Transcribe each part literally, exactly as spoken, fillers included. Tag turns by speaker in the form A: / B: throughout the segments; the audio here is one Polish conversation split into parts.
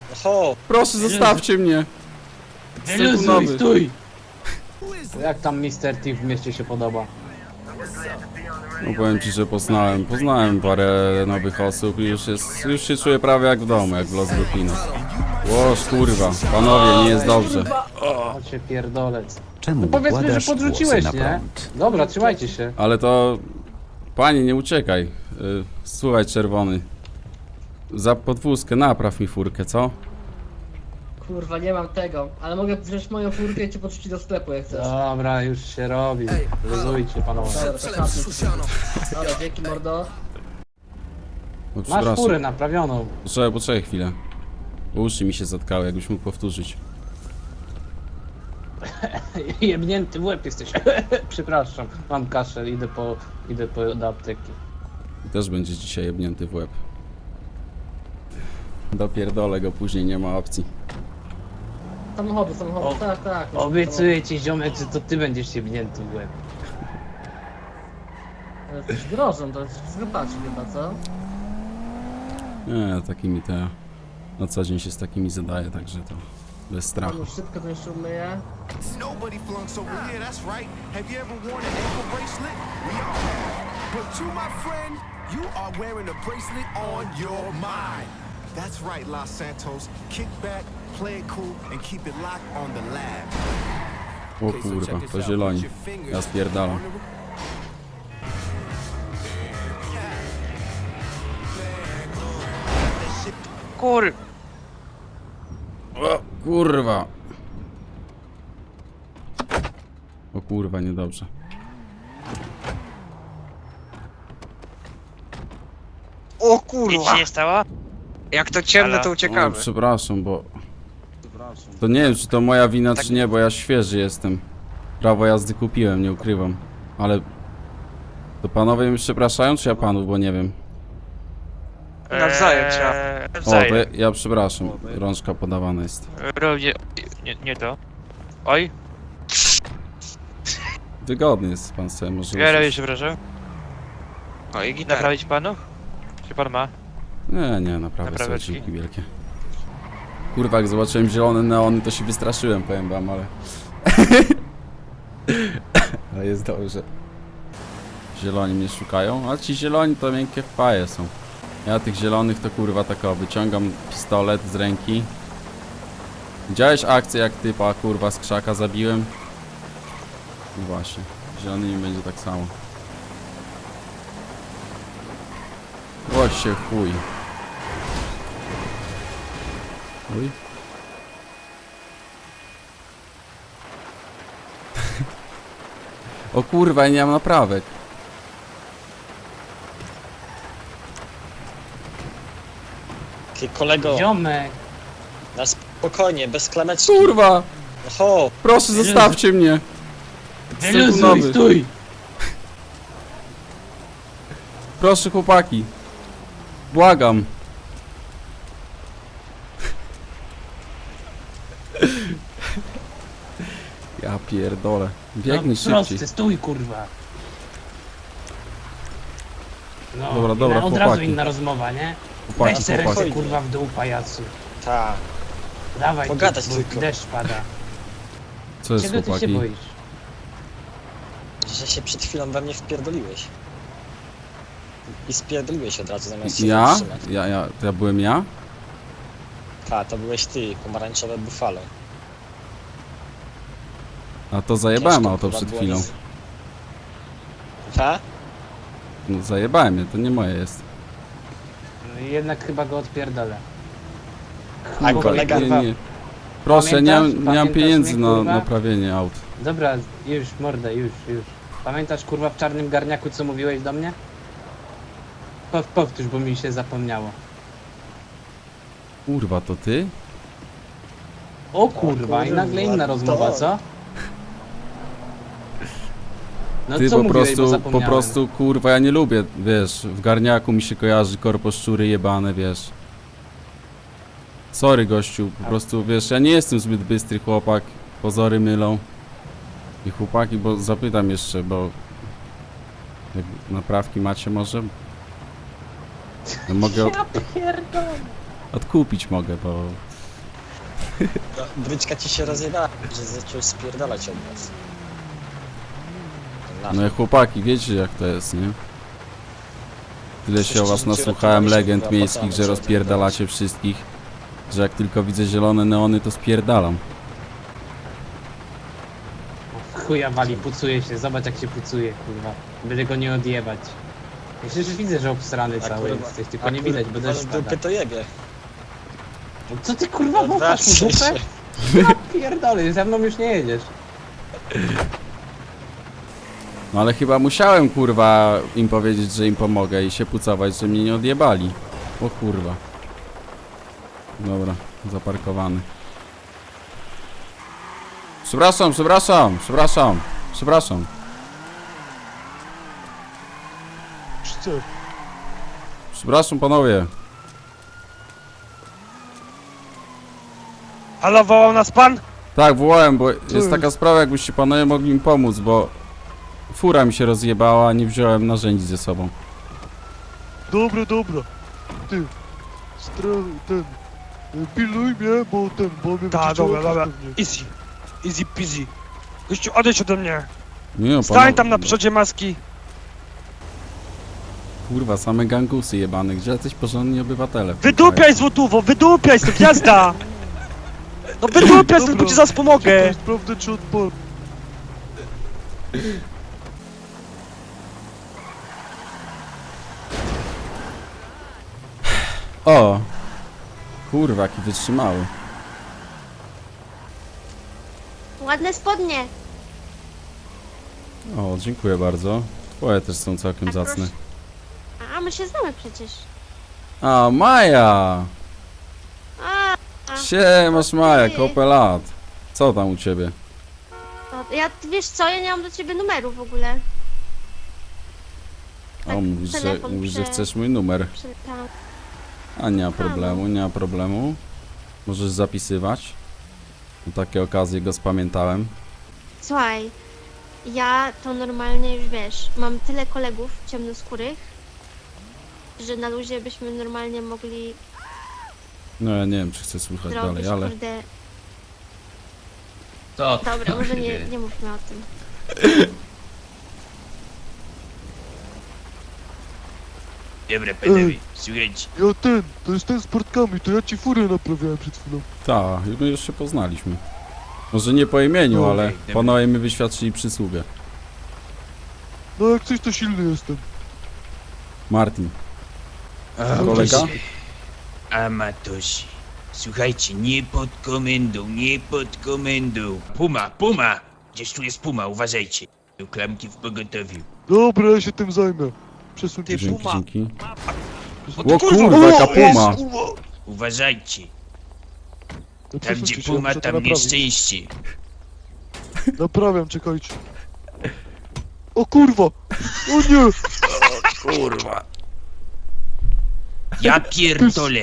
A: Oho!
B: Proszę, zostawcie mnie.
C: Wyluzuj, stój! Jak tam mister T w mieście się podoba?
B: No powiem ci, że poznałem, poznałem parę nowych osób i już jest, już się czuję prawie jak w domu, jak w Los Lupinos. Łoż, kurwa, panowie, nie jest dobrze.
C: Chodźcie pierdolec.
D: Czemu
C: No powiedzmy, że
D: układasz
C: podrzuciłeś,
D: włosy na
C: nie?
D: prąd?
C: Dobra, trzymajcie się.
B: Ale to... Panie, nie uciekaj. Y, Słuchaj, czerwony. Za podwózkę napraw mi furkę, co?
E: Kurwa, nie mam tego, ale mogę wziąć moją furkę i cię podrzucić do sklepu jak chcesz.
C: Dobra, już się robi. Luzujcie, panowie.
E: Dobra, to kapnij. Dobra, dzięki mordo.
B: No,
C: Masz furę naprawioną.
B: Poczekaj, poczekaj chwilę. Bo uszy mi się zatkały, jakbyś mógł powtórzyć.
C: Jebnięty w łeb jesteś. Przepraszam, mam kaszel, idę po, idę po do apteki.
B: Też będzie dzisiaj jebnięty w łeb. Dopierdolę go, później nie ma opcji.
E: Samochodu, samochodu,
C: O,
E: tak, tak.
C: Obiecuję ci, ziomek, że to ty będziesz jebnięty w łeb.
E: Jesteś grożą, to jest zgrypaczy chyba, co?
B: Nie, takimi te... Na co dzień się z takimi zadaje, także to... Bez strachu.
E: Pan już szybko to jeszcze umyje.
F: Nobody flunks over here, that's right. Have you ever worn an ankle bracelet? We all have. But you, my friend, you are wearing a bracelet on your mind. That's right, Los Santos. Kick back, play it cool, and keep it locked on the lab.
B: O kurwa, to zieloni. Ja spierdalam.
A: Kur...
B: O kurwa. O kurwa, niedobrze.
A: O kurwa!
G: Nic się nie stało?
A: Jak to ciemne,
G: Halo?
A: to
B: O,
A: uciekamy.
B: przepraszam, bo... To nie wiem, czy to moja wina,
G: Tak-
B: czy nie, bo ja świeży jestem. Prawo jazdy kupiłem, nie ukrywam. Ale... To panowie mnie przepraszają, czy ja panów, bo nie wiem.
A: Nawzajem trzeba.
G: Eee,
B: O, to
G: nawzajem.
B: ja, ja przepraszam. Rączka podawana jest.
G: Równie... Nie, nie to. Oj,
B: Wygodny jest pan sobie, może...
G: ja robię,
B: usiąść.
G: przepraszam.
A: O i gitara.
G: Naprawić panów? Czy pan ma?
B: Nie, nie, naprawdę są
G: Napraweczki?
B: dzięki wielkie. Kurwa, jak zobaczyłem zielone neony, to się wystraszyłem, powiem wam, ale... ale jest dobrze. Zieloni mnie szukają, a ci zieloni to miękkie wpaje są. Ja tych zielonych to kurwa tak o, wyciągam pistolet z ręki. Widziałeś akcję, jak typa kurwa z krzaka zabiłem? No właśnie, z zielonymi będzie tak samo. Chodź się chuj. Chuj. O kurwa, ja nie mam naprawek.
A: Ty kolego,
C: Ziomek!
A: na spokojnie, bez klameczki.
B: Kurwa!
A: Oho!
B: Proszę, zostawcie mnie!
C: Wyluzuj,
B: Sekundowy.
C: stój!
B: Proszę, chłopaki. Błagam. Ja pierdolę. Biegnij
C: no, prosty,
B: szybciej.
C: stój, kurwa. No,
B: Dobra, dobra,
C: inna, od razu
B: chłopaki.
C: inna rozmowa, nie? Weź
B: Chłopaki,
C: se ręce,
B: chłopaki.
C: kurwa, w dół, pajacu.
A: Ta.
C: Dawaj,
A: Pogadać
C: tu, bo
A: tylko.
C: deszcz pada.
B: Co jest,
C: Czego ty się
B: chłopaki?
C: boisz?
A: Że się przed chwilą we mnie wpierdoliłeś. I spierdoliłeś od razu zamiast się
B: Ja?
A: zatrzymać.
B: Ja, ja, to ja byłem ja?
A: Ta, to byłeś ty, pomarańczowe buffalo.
B: A to zajebałem
A: Ciężko
B: auto
A: chyba
B: przed
A: było
B: chwilą.
A: nie z- Ta?
B: No, zajebałem je, to nie moje jest.
C: No i jednak chyba go odpierdolę.
A: A
B: Kurwa,
A: kolega...
B: nie, nie. Proszę, nie, mam-
C: Pamiętasz?
B: nie mam
C: Pamiętasz
B: pieniędzy
C: mnie,
B: na
C: kurwa?
B: naprawienie aut.
C: Dobra, już, mordę, już, już. Pamiętasz, kurwa, w czarnym garniaku, co mówiłeś do mnie? Pow- Powtórz, bo mi się zapomniało.
B: Kurwa, to ty?
C: O kurwa, i nagle inna rozmowa, co? No
B: Ty
C: co
B: po
C: mówiłeś, bo
B: prostu, po
C: zapomniałem.
B: prostu, kurwa, ja nie lubię, wiesz, w garniaku mi się kojarzy korpo szczury jebane, wiesz. Sorry, gościu, po prostu, wiesz, ja nie jestem zbyt bystry chłopak, pozory mylą. I chłopaki, bo zapytam jeszcze, bo... Jak naprawki macie może? No mogę od...
C: Ja pierdolę.
B: odkupić mogę, bo...
A: No, bryczka ci się rozjebała, że zacząłeś spierdalać od nas. Ten
B: No i chłopaki, wiecie jak to jest, nie? Tyle się o was
A: Coś ci
B: nasłuchałem
A: rzuciło,
B: legend
A: to nie
B: miejskich,
A: się
B: że
A: chyba
B: rozpierdalacie wszystkich. Że jak tylko widzę zielone neony, to spierdalam.
C: Chuja wali, pucuje się, zobacz jak się pucuje, kurwa. Będę go nie odjebać. Ja przecież widzę, że obsrany
A: A
C: cały
A: kurwa-
C: jesteś,
A: a
C: tylko nie
A: kurwa,
C: widać, bo deszcz
A: w
C: pada.
A: dupie to jebie.
C: Co ty kurwa wąchasz mu
A: Odwracaj
C: dupę?
A: się.
C: Ja pierdolę, ze mną już nie jedziesz.
B: No ale chyba musiałem kurwa im powiedzieć, że im pomogę i się pucować, że mnie nie odjebali. O kurwa. Dobra, zaparkowany. Przepraszam, przepraszam, przepraszam, przepraszam.
D: Co?
B: Przepraszam panowie.
H: Halo, wołał nas pan?
B: Tak, wołałem, bo jest
D: jest?
B: taka sprawa, jakbyście panowie mogli mi pomóc, bo fura mi się rozjebała, a nie wziąłem narzędzi ze sobą.
D: Dobra, dobra. Ty, stra... ten... y, Pilnuj mnie, bo ten, bo mnie
H: Tak,
D: wyciągnęło
H: dobra, dobra.
D: pewnie.
H: Easy. Easy peasy. Gościu, odejdź ode mnie.
B: Nie no,
H: Stań
B: panowie,
H: tam na przodzie maski.
B: Kurwa, same gangusy jebane, gdzie jacyś porządni obywatele.
H: Wydupiaj złotówo, wydupiaj stąd, jazda! No wydupiaj stąd, bo ci zaraz pomogę.
D: Czekaj, sprawdzę czy odpal.
B: O! Kurwa, jaki wytrzymały.
I: Ładne spodnie.
B: O, dziękuję bardzo. Twoje też są całkiem
I: A
B: zacne.
I: proszę. A my się znamy przecież.
B: A, Maja!
I: A, a
B: Siemasz Maja,
I: ty.
B: kopę lat. Co tam u ciebie?
I: to ja wiesz co, ja nie mam do ciebie numeru w ogóle.
B: O,
I: Tak,
B: mówisz, że,
I: telefon
B: mówisz, że
I: prze-
B: chcesz mój numer.
I: Przy, tam.
B: A nie ma problemu, nie ma problemu. Możesz zapisywać. Na takie okazje go spamiętałem.
I: Słuchaj, ja to normalnie już wiesz, mam tyle kolegów ciemnoskórych, że na luzie byśmy normalnie mogli
B: No ja nie wiem, czy chcę słuchać
I: zrobić,
B: dalej, ale...
I: kurde...
J: To
I: Dobra, może nie, nie mówmy o tym.
J: Dobra, panowie, słuchajcie.
D: Ja ten, to jest ten z portkami, to ja ci furę naprawiałem przed chwilą.
B: Tak, my już się poznaliśmy. Może nie po imieniu,
D: No,
B: ale
J: okej, dobra.
B: panowie mi wyświadczyli przysługę.
D: No jak coś to silny jestem.
B: Martin.
J: A,
B: Kolega?
J: Amatosi. Słuchajcie, nie pod komendą, nie pod komendą. Puma, puma! Gdzieś tu jest puma, uważajcie. Do klamki w pogotowiu.
D: Dobra, ja się tym zajmę. Przesuńcie
H: Ty,
D: się.
B: Dzięki,
H: puma.
B: dzięki.
H: O,
B: O
H: kurwa,
B: kurwa, jaka
H: o,
B: puma!
J: Uważajcie.
D: No,
J: Tam
D: przesuńcie
J: gdzie
D: się,
J: puma,
D: muszę to
J: tam
D: naprawić.
J: nieszczęście.
D: Naprawiam, czekajcie. O kurwa! O nie!
J: Kurwa. Ja pierdolę.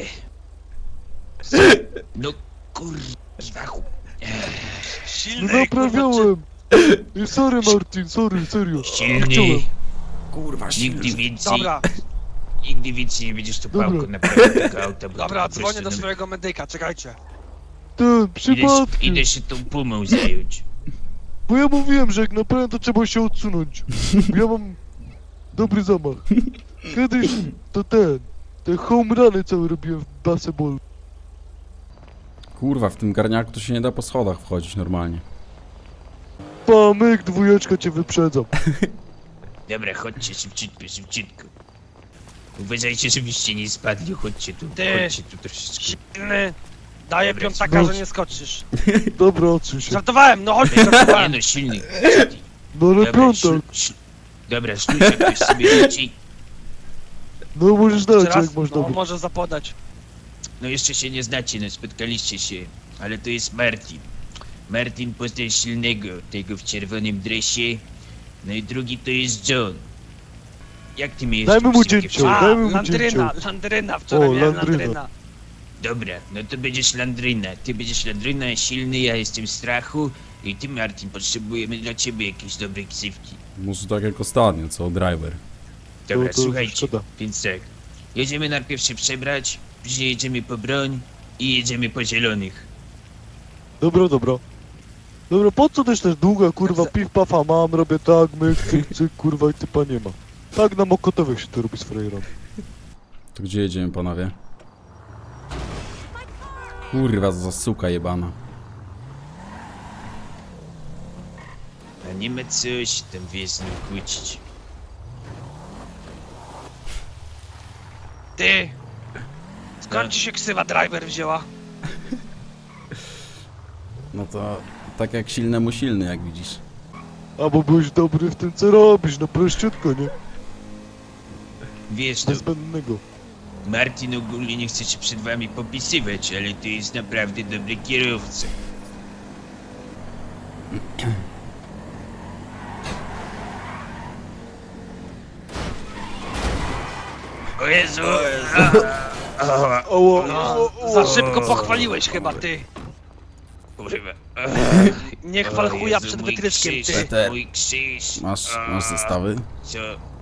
J: No kurwa. chu-
D: No
H: Silny, kurwa,
D: naprawiałem! I sorry Martin, sorry, serio.
J: Silny.
D: Chciałem.
B: Kurwa,
J: Nigdy
H: czy-
J: więcej,
H: Dobra,
J: nigdy więcej nie będziesz tu
D: Dobra.
J: pałką naprawiał tego auta, bo
H: dobra,
J: to po prostu
H: dzwonię do
J: nam-
H: swojego medyka, czekajcie.
D: Ten,
J: Idę,
D: przypadkiem.
J: idę się tą pumą zająć.
D: Bo ja mówiłem, że jak naprawiam, to trzeba się odsunąć. Bo ja mam dobry zamach. Kiedyś to ten, te home runy całe robiłem w baseballu.
B: Kurwa, w tym garniaku to się nie da po schodach wchodzić normalnie.
D: Pamyk, dwójeczka cię wyprzedzam.
J: Dobra, chodźcie szybciutko, szybciutko. Uważajcie, żebyście nie spadli, chodźcie tu,
H: Ty.
J: chodźcie tu troszeczkę.
H: Silny. Daję
J: Dobra,
H: piątaka,
D: no.
H: że nie skoczysz.
D: Dobra, odsuń się.
H: Żartowałem, no chodź,
J: Nie
H: żartowałem.
J: no, silny.
D: No ale
J: Dobra,
D: piątek.
J: szlu, szl, dobra, szlujcie ktoś sobie leci.
D: No możesz dać,
H: Jeszcze raz,
D: jak masz
H: no
D: dobry.
H: może zapodać.
J: No jeszcze się nie znacie, no spotkaliście się, ale to jest Martin. Martin poznał silnego, tego w czerwonym dresie. No i drugi to jest John. Jak ty mi jeszcze
D: Dajmy mu
J: ksywkę
D: cięcie.
H: A,
D: dajmy mu
H: landryna,
D: cięcie.
H: landryna, wczoraj
D: O,
H: miałem
D: landryna.
H: landryna.
J: Dobra, no to będziesz Landryna. Ty będziesz Landryna, silny, ja jestem Strachu. I ty, Martin, potrzebujemy dla ciebie jakiejś dobrej ksywki.
B: Może tak jak ostatnio, co driver.
J: Dobra,
D: To- to
J: słuchajcie,
D: szkoda.
J: więc tak. Jedziemy najpierw się przebrać, później jedziemy po broń i jedziemy po zielonych.
D: Dobra, dobra. Dobra, po co też też długa, kurwa,
A: Za-
D: piw pafa mam, robię tak, myk, cyk, cyk, kurwa i typa nie ma. Tak na mokotowych się to robi z frajerami.
B: To gdzie jedziemy, panowie? Kurwa, za suka jebana.
J: A nie ma coś tam wiesz z nim kłócić.
H: Ty! Skąd
J: No.
H: ci się ksywa driver wzięła?
B: No to tak jak silnemu silny, jak widzisz.
D: A bo byłeś dobry w tym, co robisz, no prościutko, nie?
J: Wiesz, no,
D: Niezbędnego.
J: Martin ogólnie nie chce się przed wami popisywać, ale to jest naprawdę dobry kierowca. O Jezu!
D: Oło,
H: No,
D: oło,
H: za
D: oło.
H: szybko pochwaliłeś chyba, ty.
J: Kurwa.
H: Nie chwal
J: O
H: chuja
J: Jezu,
H: przed
J: mój
H: wytryskiem,
J: krzyż,
H: ty.
B: Peter.
J: Mój krzyż.
B: Masz,
J: A,
B: masz zestawy?
J: Co?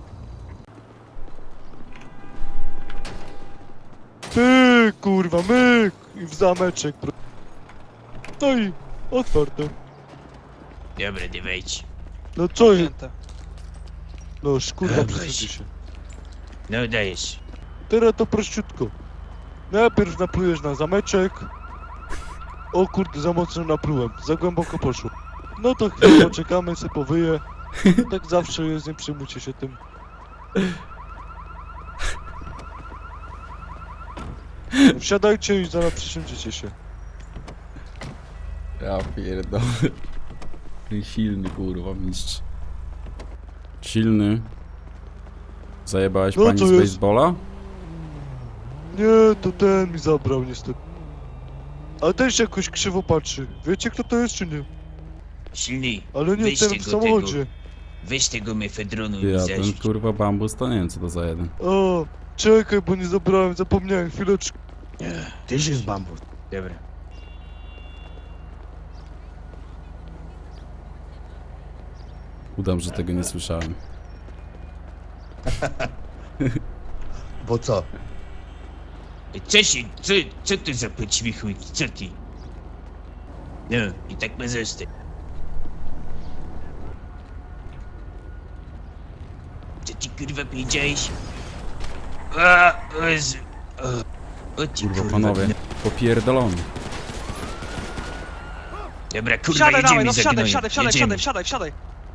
D: Ty, kurwa, myk! I w zameczek. pro- No i otwarte.
J: Dobra, dawajcie.
D: No co jest?
H: Święte.
D: No kurwa,
J: Weź.
D: przesadzi się.
J: No dajesz.
D: Teraz to prościutko. Najpierw naplujesz na zameczek. O kurde, za mocno naplułem. Za głęboko poszło. No to chwilę poczekamy, se powyje. Tak zawsze jest, nie przejmujcie się tym. Wsiadajcie i zaraz przysiądziecie się.
B: Ja pierdolę. Ten silny, kurwa, mistrz. Silny. Zajebałeś
D: No
B: pani
D: to
B: z
D: jest-
B: baseballa?
D: Nie, to ten mi zabrał niestety. Ale też jakoś krzywo patrzy. Wiecie kto to jest czy nie?
J: Silny.
D: Ale nie
J: Weźcie
D: ten w
J: go
D: samochodzie.
J: Weź tego mefedronu
B: Ty,
J: i
B: a ten
J: zarzuć.
B: kurwa bambus to nie wiem co to za jeden.
D: O, czekaj, bo nie zabrałem, zapomniałem, chwileczkę.
A: Tyś jest bambus.
J: Dobra.
B: Udam, że tego nie słyszałem.
A: Bo co?
J: Co się, co, co to za poćwichujki, co ty? No, i tak ma zostać. Co ty kurwa powiedziałeś? A, o Jezu. O, o ty
B: Kurwa,
J: kurwa.
B: panowie.
J: no.
B: Popierdolony.
J: Dobra, kurwa,
H: Wsiadaj
J: jedziemy
H: dawaj, no
J: za
H: wsiadaj,
J: gnojem.
H: wsiadaj, wsiadaj,
J: jedziemy.
H: wsiadaj, wsiadaj,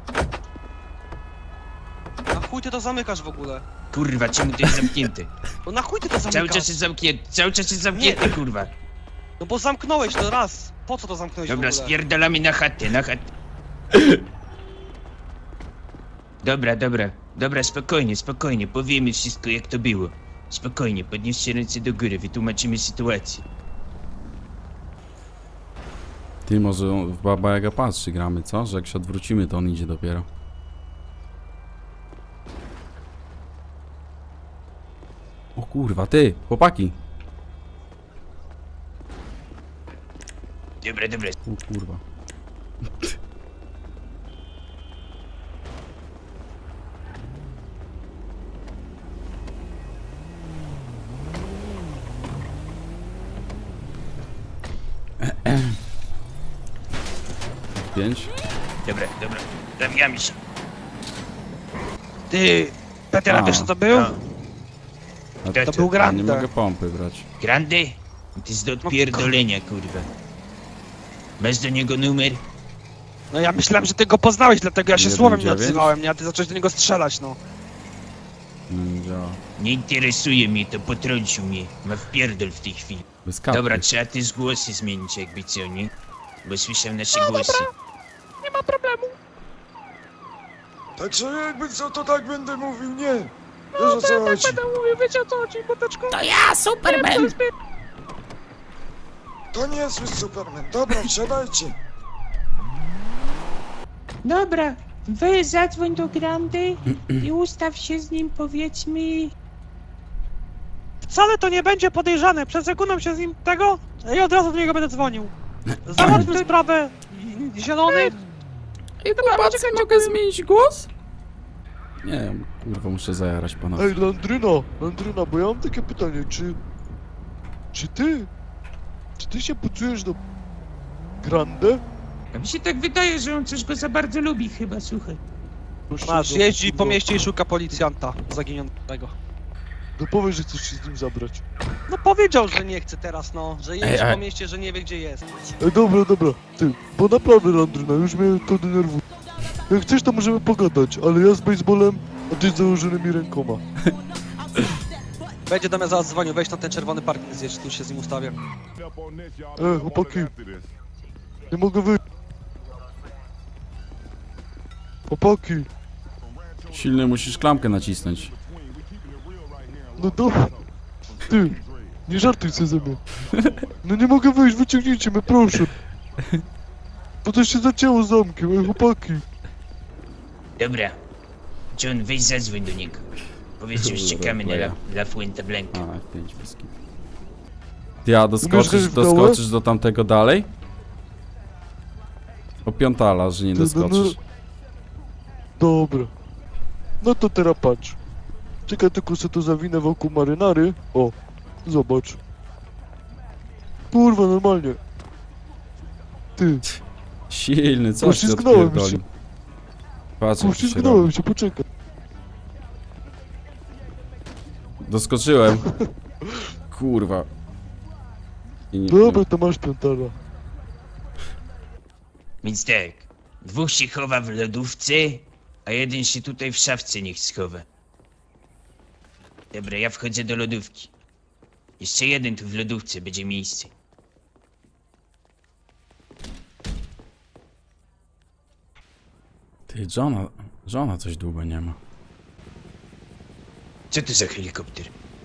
H: wsiadaj. Na chuj ty to zamykasz w ogóle?
J: Kurwa, czemu to jest zamknięte?
H: No na chuj ty to
J: Cały
H: zamykasz?
J: czas jest zamknięte, cały czas jest zamknięte, kurwa.
H: No bo zamknąłeś to raz. Po co to zamknąłeś
J: Dobra,
H: w ogóle?
J: spierdalamy na chatę, na chatę. Dobra, dobra, dobra, spokojnie, spokojnie, powiemy wszystko jak to było. Spokojnie, podnieście ręce do góry, wytłumaczymy sytuację.
B: Ty, może on w Baba Jaga patrzy gramy, co? Że jak się odwrócimy, to on idzie dopiero. O kurwa, ty, chłopaki.
J: Dobra, dobra,
B: O kurwa. Pięć.
J: dobra, dobra, zabijamy się.
H: Ty, Peter, a
B: A,
H: wiesz co to był?
J: no.
B: A
J: To
H: To był
B: ja nie
H: Grande.
B: mogę pompy brać.
J: Grande? To jest do odpierdolenia, kurwa. Masz do niego numer?
H: No ja myślałem, że ty go poznałeś, dlatego ja się
B: Jeden
H: słowem nie
B: dziewięć?
H: odzywałem, nie? A ty zacząłeś do niego strzelać, no.
B: Nie działa.
J: Nie interesuje mnie to, potrącił mnie. Ma wpierdol w tej chwili.
B: Bez kapy.
J: Dobra, trzeba te głosy zmienić jakby co, nie? Bo słyszę nasze głosy.
D: Także jakby co, to tak będę mówił, nie. Wiesz o co chodzi.
H: mówił, wiecie o co chodzi, koteczko?
J: To ja, Superman!
D: To nie jest Superman. Dobra, wsiadajcie.
K: Dobra, weź zadzwoń do Grandy i ustaw się z nim, powiedzmy.
H: Wcale to nie będzie podejrzane, przesekuną się z nim tego i od razu do niego będę dzwonił. Załatwmy sprawę. Zielony?
B: Ej, chłopacy, mogę zmienić głos? Nie wiem, kurwa, muszę zajarać pana.
D: Ej, Landryna, Landryna, bo ja mam takie pytanie, czy... Czy ty... Czy ty się pucujesz do... Grande?
K: A mi się tak wydaje, że on coś go za bardzo lubi chyba, słuchaj.
D: Proszę
H: Masz,
D: go,
H: jeździ po
D: kurwa.
H: mieście i szuka policjanta zaginionego.
D: No powiedz, że chcesz się z nim zabrać.
H: No powiedział, że nie chce teraz, no, że jeździ
B: Ej, ej.
H: po mieście, że nie wie gdzie jest.
D: Ej, dobra, dobra, ty, bo naprawdę, Landryna, już mnie to denerwuje. Jak chcesz, to możemy pogadać, ale ja z baseballem, a ty z założonymi rękoma.
H: Będzie do mnie zaraz dzwonił, weź na ten czerwony parking zjedź, tu się z nim ustawię.
D: Ej, chłopaki, nie mogę wyjść. Chłopaki,
B: Silny, musisz klamkę nacisnąć.
D: no dobra. Ty, nie żartuj sobie ze mnie. No nie mogę wyjść, wyciągnijcie mnie, proszę. Bo to się zacięło zamkiem, ej, chłopaki.
J: Dobra. John, weź zadzwoń do niego. Powiedz, że już
B: Dobra,
J: czekamy na La,
B: playa.
J: La Fuente Blanca.
B: A, F pięć bez kitu. Ty, a
D: Umiesz
B: doskoczysz,
D: grać w dołę?
B: doskoczysz do tamtego dalej? Opiątala, że nie
D: Ty, no, no.
B: doskoczysz.
D: Dobra. No to teraz patrz. Czekaj, tylko sobie to zawinę wokół marynary. O, zobacz. Kurwa, normalnie. Ty,
B: Silny, co ty
D: Poślizgnąłem
B: odpierdolił?
D: się.
B: Patrz, jak to się robi.
D: poślizgnąłem się, poczekaj.
B: Doskoczyłem. Kurwa. I nie,
D: Dobra, to masz piątara.
J: Więc tak. Dwóch się chowa w lodówce, a jeden się tutaj w szafce niech schowa. Dobra, ja wchodzę do lodówki. Jeszcze jeden tu w lodówce, będzie miejsce.
B: Ty, żona, żona coś długo nie ma.
J: Co to za helikopter?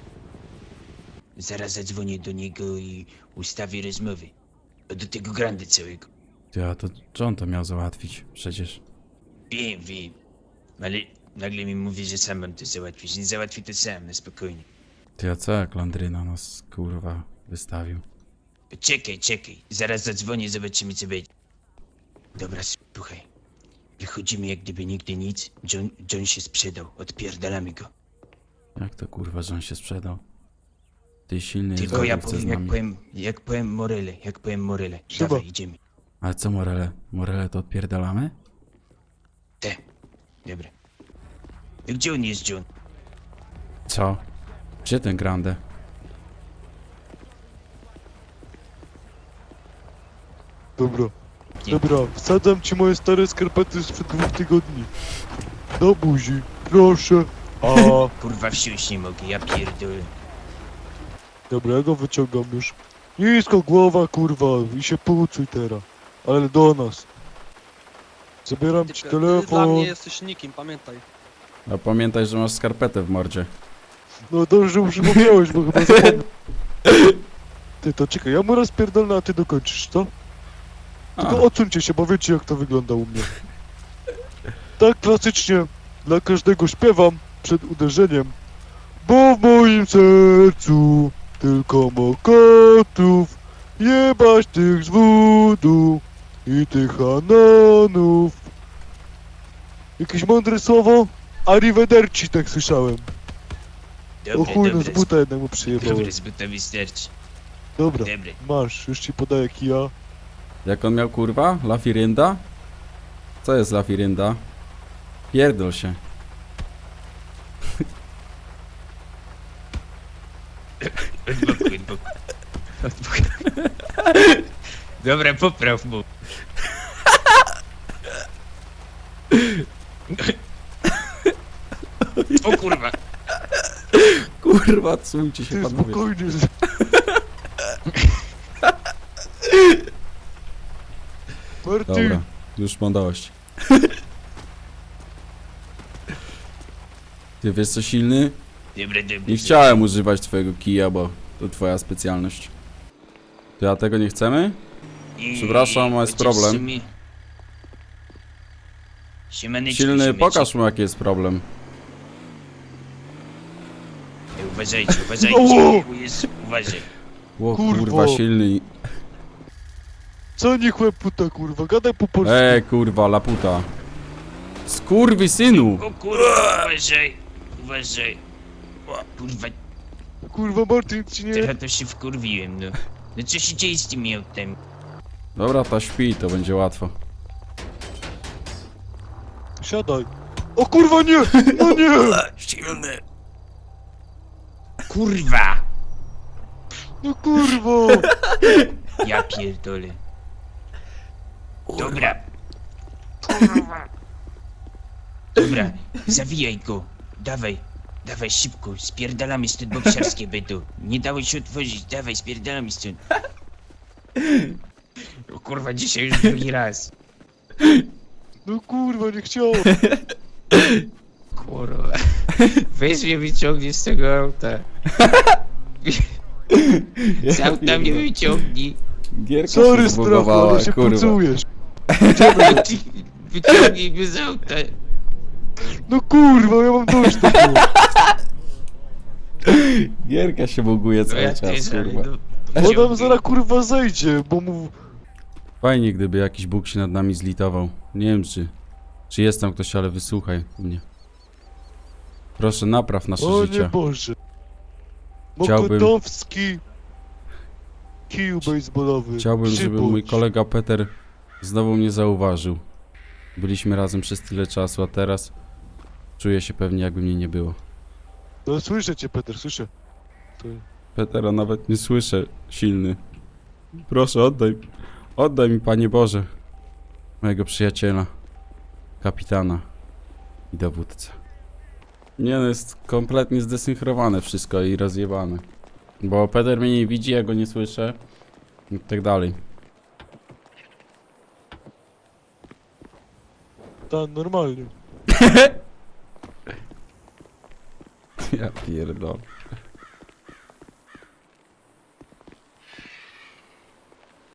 J: Zaraz zadzwonię do niego i ustawię rozmowy. A do tego Grande całego.
B: Ty, a to John to miał załatwić, przecież.
J: Wiem, wiem. Ale nagle mi mówi, że sam mam to załatwić. Nie załatwi to sam, na spokojnie.
B: Ty, a co jak Landryna nas, kurwa, wystawił?
J: Czekaj, czekaj. Zaraz zadzwonię, zobaczymy co będzie. Dobra, słuchaj. Wychodzimy jak gdyby nigdy nic. John, John się sprzedał. Odpierdalamy go.
B: Jak to, kurwa, że on się sprzedał? Ty, silny
J: Tylko ja
B: chce z
J: powiem, jak
B: nami.
J: powiem, jak powiem Morele, jak powiem Morele.
D: Siema.
J: Dawaj, idziemy.
B: Ale co, Morele? Morele to odpierdalamy?
J: Te. Dobra. Gdzie on jest, John?
B: Co? Gdzie ten Grande?
D: Dobra.
J: Nie.
D: Dobra, wsadzam ci moje stare skarpety sprzed dwóch tygodni. Do buzi, proszę. A,
J: Kurwa, wsiąść nie mogę, ja pierdolę.
D: dobra, ja go wyciągam już. Nisko głowa, kurwa, i się pucuj teraz. Ale do nas. Zabieram ci
H: Ty, ty dla
D: telefon.
H: mnie jesteś nikim, pamiętaj.
B: A pamiętaj, że masz skarpetę w mordzie.
D: No dobrze, że przypomniałeś, bo chyba zapomniałem. Ty, to czekaj, ja mu raz pierdolę, a ty dokończysz, co? Tylko
B: A,
D: odsuńcie się, bo wiecie jak to wygląda u mnie. Tak klasycznie dla każdego śpiewam przed uderzeniem. Bo w moim sercu tylko mokotów, jebać tych z wudu i tych anonów. Jakieś mądre słowo? Arrivederci, tak słyszałem. O
J: Dobre,
D: chuj, no z
J: dobre,
D: buta jednemu
J: z,
D: przyjebałem.
J: dobre, z buta wystarczy.
D: Dobra,
J: Dobre.
D: masz, już ci podaję kija.
B: jak on miał, kurwa? La Firynda? Co jest La Firynda? Pierdol się.
J: Od boku, od boku. Od boku. Dobra, popraw mu. O kurwa.
B: Kurwa, cujcie się,
D: Ty
B: panowie.
D: spokojnie. Martin,
B: Dobra, już mam dość. Ty wiesz co, silny?
J: Dobra, dobra.
B: Nie chciałem używać twojego kija, bo to twoja specjalność. To ja tego nie chcemy?
J: I-
B: Przepraszam, jest
J: chociaż
B: problem.
J: w sumie- Siemaneczko,
B: Silny,
J: siemeczek.
B: pokaż mu jaki jest problem.
J: Ej, uważajcie, uważajcie.
D: O!
J: O Jezu, uważaj.
B: O
D: Kurwo.
B: kurwa, silny.
D: co nie chłop puta, kurwa, gadaj po polsku.
B: Ej, kurwa, laputa. Skurwy synu!
J: O kurwa, uważaj. Uważaj. O, kurwa,
D: Kurwa, Martin, ci nie...
J: teraz to się wkurwiłem, no. No co się dzieje z tymi autami?
B: Dobra, ta śpi, to będzie łatwo.
D: Siadaj. O kurwa nie! No nie!
J: Silny. Kurwa!
D: No kurwo!
J: Ja pierdolę. Dobra. Dobra, zawijaj go. Dawaj, dawaj szybko, spierdalamy stąd bokserskie będą. Nie dało się otworzyć, dawaj, spierdalamy stąd. O kurwa, dzisiaj już drugi raz.
D: No kurwa, nie chciałem.
J: Kurwa. Weź mnie wyciągnie z tego auta. Z auta mnie wyciągnij.
B: Gierka
D: Sorry
B: się
D: sprawa,
B: zbugowała,
D: ale się
B: kurwa.
D: pucujesz.
J: Wyciągnij mnie z auta.
D: No kurwa, ja mam dość tego.
B: Gierka się buguje
J: No
B: cały
J: ja
B: czas,
J: też, ale
B: kurwa.
J: no,
D: Bo nam
J: wyciągnij.
D: zaraz kurwa zejdzie, bo mu...
B: Fajnie, gdyby jakiś Bóg się nad nami zlitował. Nie wiem, czy, czy jest tam ktoś, ale wysłuchaj mnie. Proszę, napraw nasze
D: O nie
B: życie.
D: Boże.
B: Chciałbym-
D: Mokotowski. Kiju baseballowy.
B: Chciałbym, żeby
D: Przybądź.
B: mój kolega Peter znowu mnie zauważył. Byliśmy razem przez tyle czasu, a teraz czuję się pewnie, jakby mnie nie było.
D: No słyszę cię, Peter, słyszę. To...
B: Petera nawet nie słyszę, silny. Proszę, oddaj. Oddaj mi, Panie Boże. Mojego przyjaciela. Kapitana. I dowódcę. Nie no, jest kompletnie zdesynchrowane wszystko i rozjebane. Bo Peter mnie nie widzi, ja go nie słyszę. I tak dalej.
D: Ta, normalnie.
B: Ja pierdolę.